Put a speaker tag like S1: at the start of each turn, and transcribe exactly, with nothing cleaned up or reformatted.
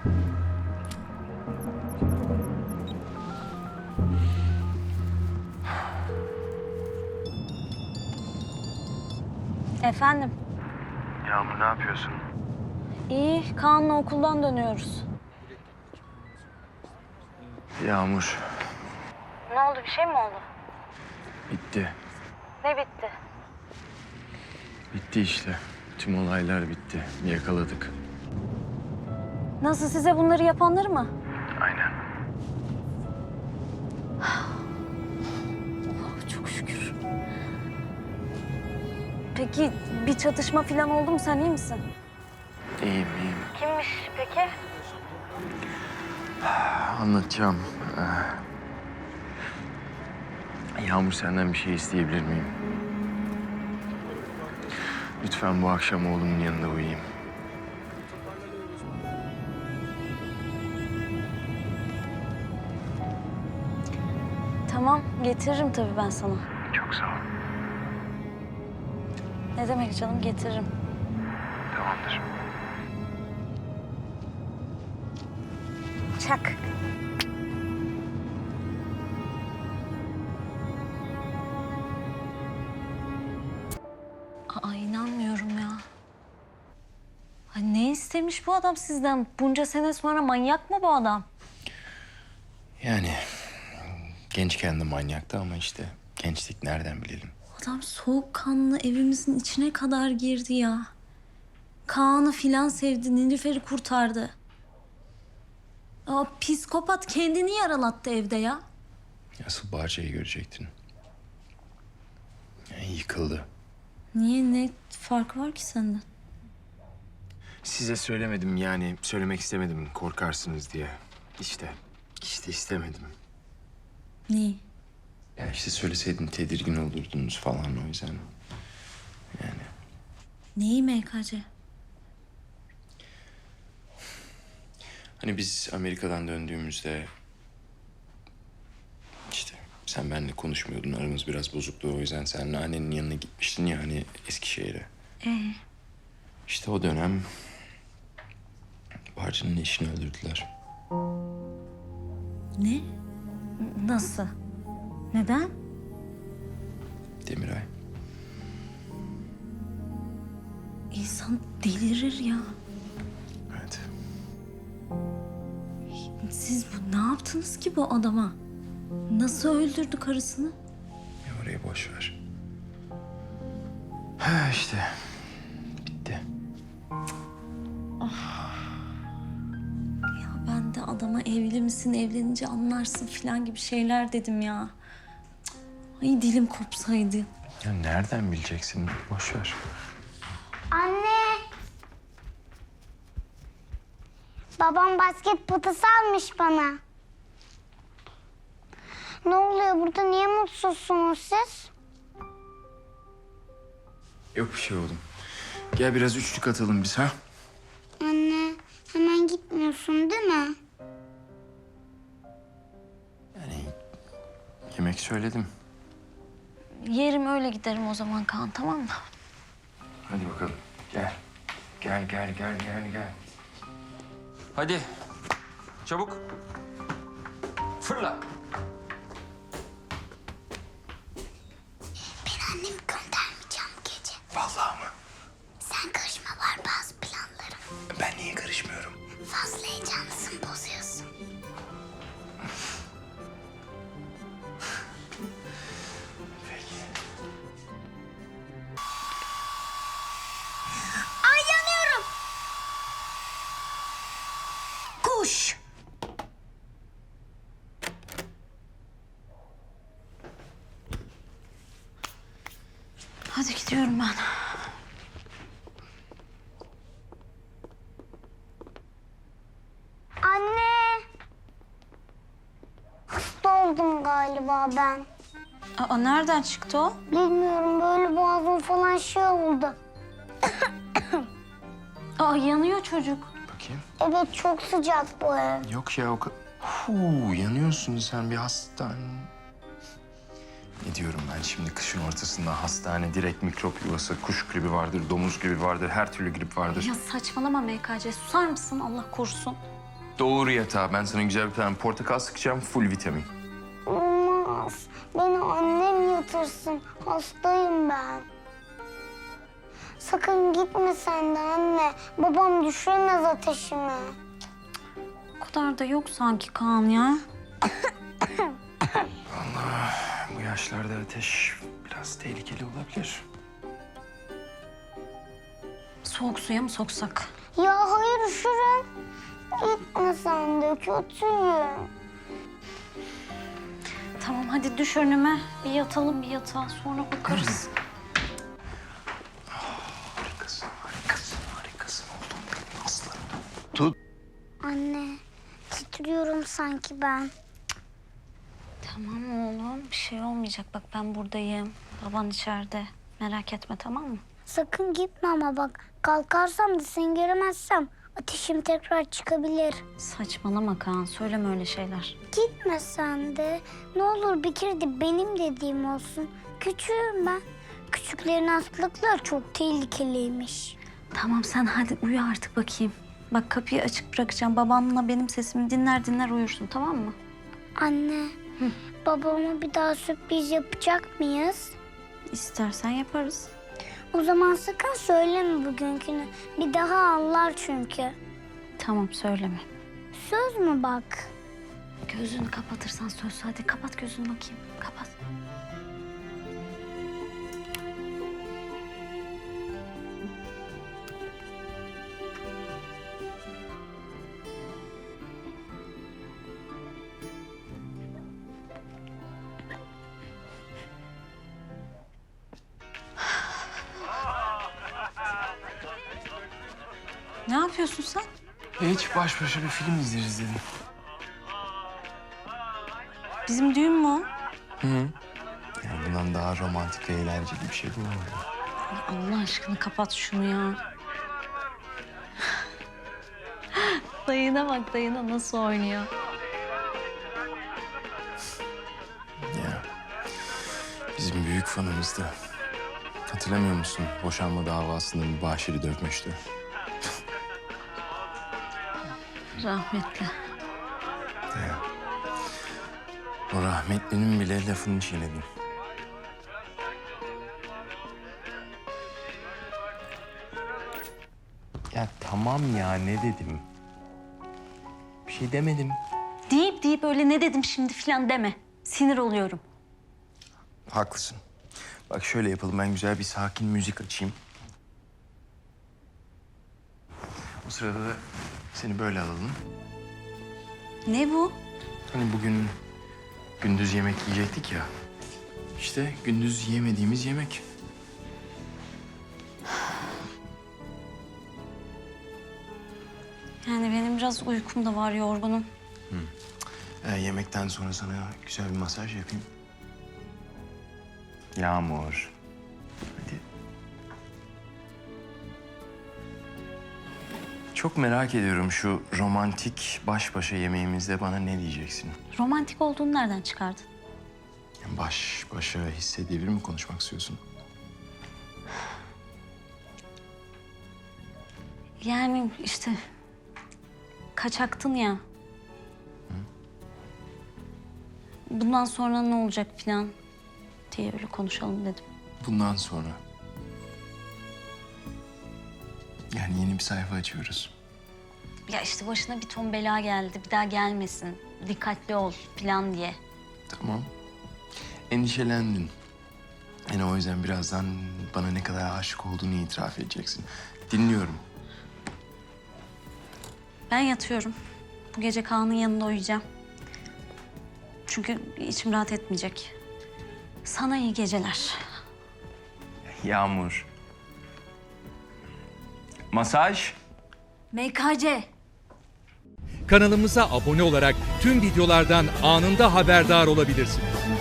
S1: Efendim?
S2: Yağmur ne yapıyorsun?
S1: İyi, Kaan'la okuldan dönüyoruz.
S2: Yağmur.
S1: Ne oldu, bir şey mi oldu?
S2: Bitti.
S1: Ne bitti?
S2: Bitti işte. Tüm olaylar bitti. Yakaladık.
S1: Nasıl, size bunları yapanları mı?
S2: Aynen.
S1: Oh, çok şükür. Peki bir çatışma falan oldu mu? Sen iyi misin?
S2: İyiyim, iyiyim.
S1: Kimmiş peki?
S2: Anlatacağım. Ee, Yağmur, senden bir şey isteyebilir miyim? Lütfen bu akşam oğlumun yanında uyuyayım.
S1: Tamam, getiririm tabii ben sana.
S2: Çok sağ ol.
S1: Ne demek canım, getiririm.
S2: Tamamdır.
S1: Çak. Aa, inanmıyorum ya. Ay, ne istemiş bu adam sizden? Bunca sene sonra manyak mı bu adam?
S2: Yani gençken de manyaktı ama işte gençlik nereden bilelim?
S1: Adam soğukkanlı evimizin içine kadar girdi ya. Kaan'ı filan sevdi, Nilüfer'i kurtardı. Aa, psikopat kendini yaralattı evde ya.
S2: Asıl Bahçe'yi görecektin. Yani yıkıldı.
S1: Niye, ne farkı var ki senden?
S2: Size söylemedim, yani söylemek istemedim korkarsınız diye. İşte, işte istemedim.
S1: Neyi?
S2: Ya işte söyleseydin tedirgin olurdunuz falan, o yüzden. Yani
S1: Neyi M K C?
S2: hani biz Amerika'dan döndüğümüzde işte sen benimle konuşmuyordun, aramız biraz bozuktu, o yüzden sen annenin yanına gitmiştin ya hani Eskişehir'e.
S1: Ee?
S2: İşte o dönem Barcı'nın eşini öldürdüler.
S1: Ne? Nasıl? Neden?
S2: Demiray.
S1: İnsan delirir ya.
S2: Evet.
S1: Siz bu, ne yaptınız ki bu adama? Nasıl öldürdü karısını?
S2: Ya orayı boş ver. Ha işte. Bitti.
S1: Ya ben de adama evli misin, evlenince anlarsın falan gibi şeyler dedim ya. Cık. Ay, dilim kopsaydı.
S2: Ya nereden bileceksin? Boş ver.
S3: Anne. Babam basket potası almış bana. Ne oluyor burada? Niye mutsuzsunuz siz?
S2: Yok bir şey oğlum. Gel biraz üçlük atalım biz, ha?
S3: Anne, hemen gitmiyorsun değil mi?
S2: Yani yemek söyledim.
S1: Yerim, öyle giderim o zaman Kaan, tamam mı?
S2: Hadi bakalım. Gel. Gel, gel, gel, gel, gel.
S4: Hadi. Çabuk. Fırla.
S3: Ben annemi göndermeyeceğim bu gece.
S2: Vallahi mı?
S3: Sen karışma, var bazı planlarım.
S2: Ben niye karışmıyorum?
S3: Fazla heyecanlısın, bozuyorsun.
S2: Peki.
S3: Ay, yanıyorum.
S1: Kuş! Hadi gidiyorum ben.
S3: Anne. Hasta oldum galiba ben.
S1: Aa, nereden çıktı o?
S3: Bilmiyorum, böyle boğazım falan şey oldu.
S1: Aa, yanıyor çocuk.
S2: Bakayım.
S3: Evet, çok sıcak bu ev.
S2: Yok ya, o kadar... Huu, yanıyorsun sen, bir hastane. Ne diyorum ben şimdi, kışın ortasında hastane, direkt mikrop yuvası, kuş gribi vardır, domuz gribi vardır, her türlü grip vardır.
S1: Ya saçmalama M K C, susar mısın Allah korusun?
S2: Doğru yatağa. Ben sana güzel bir tane portakal sıkacağım. Full vitamin.
S3: Olmaz. Beni annem yatırsın. Hastayım ben. Sakın gitme sen de anne. Babam düşüremez ateşimi.
S1: O kadar da yok sanki Kaan ya.
S2: Bu yaşlarda ateş biraz tehlikeli olabilir.
S1: Soğuk suya mı soksak?
S3: Ya hayır üşürüm. Gitme sen de kötüyüm.
S1: Tamam hadi düş önüme. Bir yatalım bir yatağa sonra bakarız.
S2: Harikasın, harikasın, harikasın oldum benim aslanım. Tut.
S3: Anne titriyorum sanki ben.
S1: Tamam oğlum bir şey olmayacak. Bak ben buradayım. Baban içeride. Merak etme tamam mı?
S3: Sakın gitme ama bak. Kalkarsam da seni göremezsem ateşim tekrar çıkabilir.
S1: Saçmalama Kaan. Söyleme öyle şeyler.
S3: Gitme sen de. Ne olur bir kere de benim dediğim olsun. Küçüğüm ben. Küçüklerin hastalıkları çok tehlikeliymiş.
S1: Tamam sen hadi uyu artık bakayım. Bak kapıyı açık bırakacağım. Babanla benim sesimi dinler dinler uyursun tamam mı?
S3: Anne, babama bir daha sürpriz yapacak mıyız?
S1: İstersen yaparız.
S3: O zaman sakın söyleme bugünkünü. Bir daha anlar çünkü.
S1: Tamam söyleme.
S3: Söz mü bak?
S1: Gözünü kapatırsan söz. Hadi kapat gözünü bakayım. Kapat. Ne yapıyorsun sen?
S2: Hiç baş başa bir film izleriz dedim.
S1: Bizim düğün mü o?
S2: Hı. Yani bundan daha romantik ve eğlenceli bir şey bulamadım.
S1: Ay Allah aşkına kapat şunu ya. Dayına bak dayına nasıl oynuyor.
S2: Ya. Bizim büyük fanımızdı. Hatırlamıyor musun? Boşanma davasında mübaşiri dövmüştü.
S1: Rahmetli.
S2: Ya. O rahmetlinin bile lafını çiğnedim. Ya tamam ya ne dedim? Bir şey demedim.
S1: Deyip deyip öyle ne dedim şimdi falan deme. Sinir oluyorum.
S2: Haklısın. Bak şöyle yapalım ben güzel bir sakin müzik açayım. O sırada da seni böyle alalım.
S1: Ne bu?
S2: Hani bugün gündüz yemek yiyecektik ya. İşte gündüz yemediğimiz yemek.
S1: Yani benim biraz uykum da var yorgunum.
S2: Ee, yemekten sonra sana güzel bir masaj yapayım. Yağmur. Hadi. Çok merak ediyorum şu romantik baş başa yemeğimizde bana ne diyeceksin?
S1: Romantik olduğunu nereden çıkardın?
S2: Yani baş başa hissedebilir mi konuşmak istiyorsun?
S1: Yani işte kaçaktın ya. Bundan sonra ne olacak falan diye öyle konuşalım dedim.
S2: Bundan sonra. Yani yeni bir sayfa açıyoruz.
S1: Ya işte başına bir ton bela geldi. Bir daha gelmesin. Dikkatli ol falan diye.
S2: Tamam. Endişelendin. Yani o yüzden birazdan bana ne kadar aşık olduğunu itiraf edeceksin. Dinliyorum.
S1: Ben yatıyorum. Bu gece Kaan'ın yanında uyuyacağım. Çünkü içim rahat etmeyecek. Sana iyi geceler.
S2: Yağmur. Masaj.
S1: M K C.
S5: Kanalımıza abone olarak tüm videolardan anında haberdar olabilirsiniz.